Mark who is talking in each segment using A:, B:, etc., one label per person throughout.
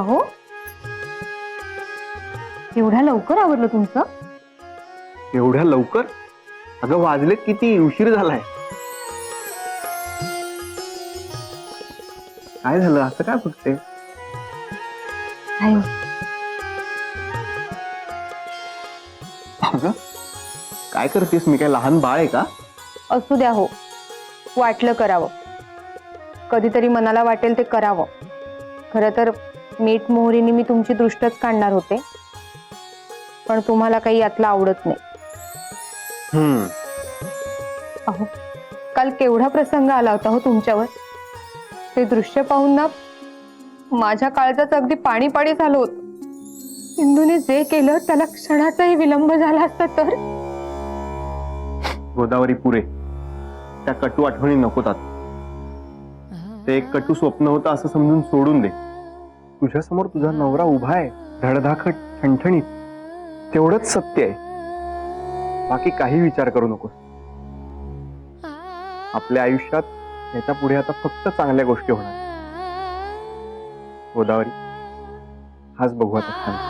A: अहो, एवढ्या लवकर आवरलं तुमचं?
B: एवढ्या लवकर? अगं वाजलेत किती, उशीर झालाय. काय झालं, असं काय बघते?
A: काय
B: अगं काय करतेस? मी काय लहान बाळ आहे का?
A: असू द्या हो, वाटलं करावं. कधीतरी मनाला वाटेल ते करावं. खरं तर मीठ मोहरीने मी तुमची दृष्टच काढणार होते, पण तुम्हाला काही यातलं आवडत नाही. अहो, काल केवढा प्रसंग आला होता हो तुमच्यावर. ते दृश्य पाहून ना माझ्या काळजाचं अगदी पाणी पाणी झालं होतं. सिंधूने जे केलं त्याला क्षणाचाही विलंब झाला असता तर.
B: गोदावरी पुरे, त्या कटू आठवणी नकोत आता. ते एक कटू स्वप्न होतं असं समजून सोडून दे. तुझ्या समोर तुझा नवरा उभा आहे, धडधाकट, ठणठणीत. तेवढंच सत्य आहे. बाकी काही विचार करू नकोस. आपल्या आयुष्यात याच्या पुढे आता फक्त चांगल्या गोष्टी होणार. गोदावरी, हाच बघू आता छान.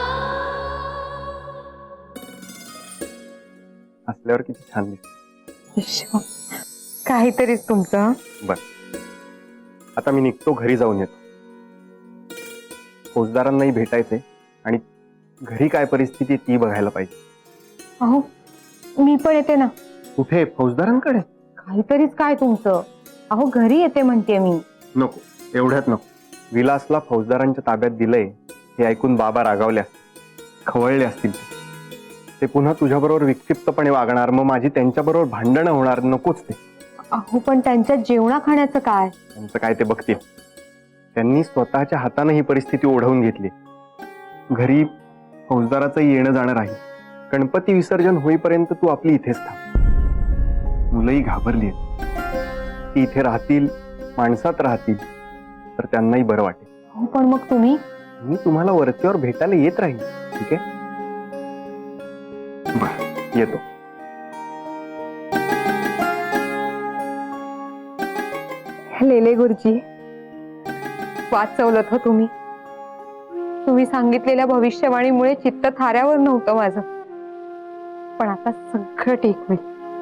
B: असल्यावर किती छान दिसत.
A: काहीतरीच तुमचं.
B: बर, आता मी निघतो, घरी जाऊन येतो. फौजदारांनाही भेटायचंय आणि घरी काय परिस्थिती आहे ती बघायला पाहिजे.
A: अहो, मी पण येते ना.
B: कुठे? फौजदारांकडे?
A: काहीतरीच काय तुमचं. अहो, घरी येते म्हणते मी.
B: नको, एवढ्यात नको. विलासला फौजदारांच्या ताब्यात दिलंय हे ऐकून बाबा रागावले असतील, खवळले असतील. ते पुन्हा तुझ्याबरोबर विक्षिप्तपणे वागणार, मग माझी त्यांच्याबरोबर भांडणं होणार. नकोच ते.
A: अहो, पण त्यांच्या जेवणा खाण्याचं काय?
B: त्यांचं काय ते बघतील. त्यांनी स्वतःच्या हाताने ही परिस्थिती ओढवून घेतली. घरी फौजदाराचं येणं जाणं राहील. गणपती विसर्जन होईपर्यंत तू आपली इथेच थांब. मुलंही घाबरली आहेत. ती इथे राहतील, माणसात राहतील, तर त्यांनाही बरं वाटेल.
A: हो, पण मग तुम्ही?
B: मी तुम्हाला वरच्यावर भेटायला येत राहील. ठीक आहे? बरं, येतो.
A: लेले गुरुजी, वाचवलं हो तुम्ही. तुम्ही सांगितलेल्या भविष्यवाणीमुळे चित्त थाऱ्यावर नव्हतं माझं, पण आता सगळं ठीक होईल.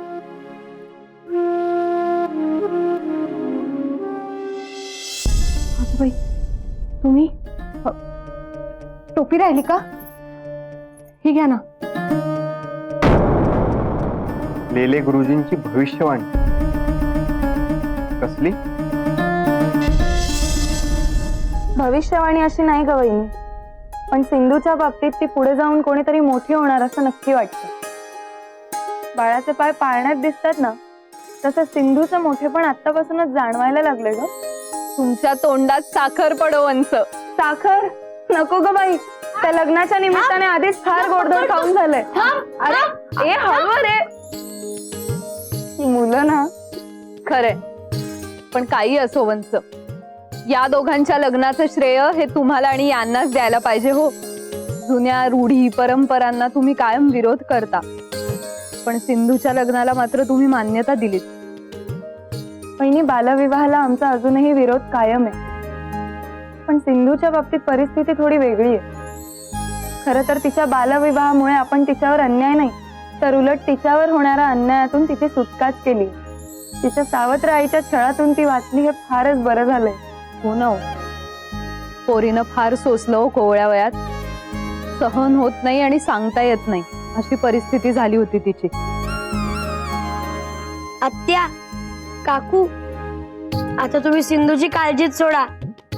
A: बाई, तुम्ही टोपी राहिली का? ही घ्या ना.
B: लेले गुरुजींची भविष्यवाणी कसली?
C: भविष्यवाणी अशी नाही ग वहिनी, पण सिंधूच्या बाबतीत ती पुढे जाऊन कोणीतरी मोठी होणार असं नक्की वाटतं. बाळाचे पाय पाळण्यात दिसतात ना, तसं सिंधूचं मोठेपण आत्तापासूनच जाणवायला लागले ग.
A: तुमच्या तोंडात साखर पडो वंच.
C: साखर नको ग बाई, त्या लग्नाच्या निमित्ताने आधीच फार गोडधोड खाऊन झालंय. अरे ए हवं रे, मुलं ना.
A: खरे, पण काही असो वंच, या दोघांच्या लग्नाचं श्रेय हे तुम्हाला आणि यांनाच द्यायला पाहिजे हो. जुन्या रूढी परंपरांना तुम्ही कायम विरोध करता, पण सिंधूच्या लग्नाला मात्र तुम्ही मान्यता दिलीत.
C: वहिनी, बालविवाहाला आमचा अजूनही विरोध कायम आहे, पण सिंधूच्या बाबतीत परिस्थिती थोडी वेगळी आहे. खरं तर तिच्या बालविवाहामुळे आपण तिच्यावर अन्याय नाही, तर उलट तिच्यावर होणाऱ्या अन्यायातून तिची सुटकाच केली. तिच्या सावत्र आईच्या छळातून ती वाचली, हे फारच बरं झालंय.
A: हो ना, पोरीनं फार सोसलं हो कोवळ्या वयात. सहन होत नाही आणि सांगता येत नाही अशी परिस्थिती झाली होती तिची.
D: आत्या, काकू, आता तुम्ही सिंधूची काळजीच सोडा.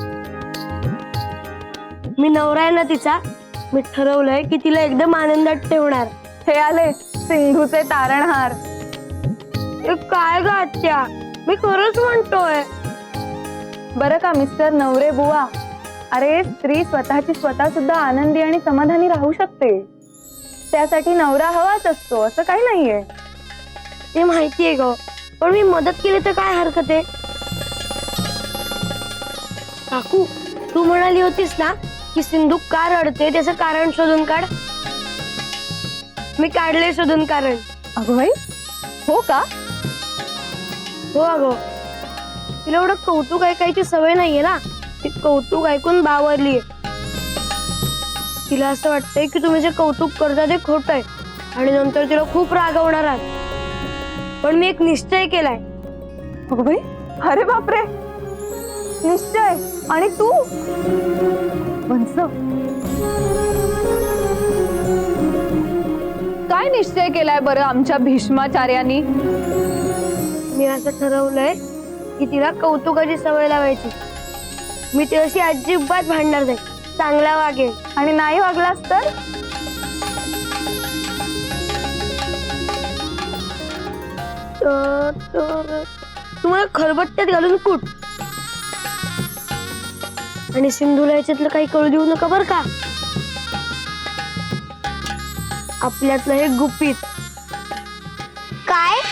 D: मी नवरा आहे ना तिचा, मी ठरवलंय की तिला एकदम आनंदात ठेवणार.
C: हे आले सिंधूचे तारणहार.
D: काय ग आत्या, मी खरंच म्हणतोय.
C: बरं का मिस्टर नवरे बुवा, अरे स्त्री स्वतःची स्वतः सुद्धा आनंदी आणि समाधानी राहू शकते. त्यासाठी नवरा हवाच असतो असं काही नाहीये.
D: ते माहितीये ग, पण मी मदत केली तर काय हरकत आहे. काकू, तू म्हणाली होतीस ना की सिंधू का रडते त्याचं कारण शोधून काढ. मी काढले शोधून कारण.
A: अगं बाई, हो का?
D: हो अगं, तिला एवढं कौतुक ऐकायची सवय नाहीये ना. ती कौतुक ऐकून बावरलीये. तिला असं वाटतंय की तुम्ही जे कौतुक करता ते खोटं आहे आणि नंतर तिला खूप रागवणार आहात. पण मी एक निश्चय केलाय.
C: अगं बाई, अरे बापरे, निश्चय. आणि तू?
A: वंस, काय निश्चय केलाय बरं आमच्या भीष्माचार्यांनी?
D: मी असं ठरवलंय की तिला कौतुकाची सवय लावायची. मी तिच्याशी अजिबात भांडणार नाही, चांगला वागेल.
C: आणि नाही वागलास तर?
D: तर तुम्हाला खलबत्त्यात घालून कूट. आणि सिंधूला याच्यातलं काही कळू देऊ नका बर का. आपल्यातलं हे गुपित. काय?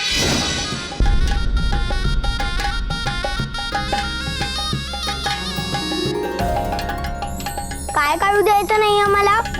D: काय काढू द्यायचं नाही आम्हाला.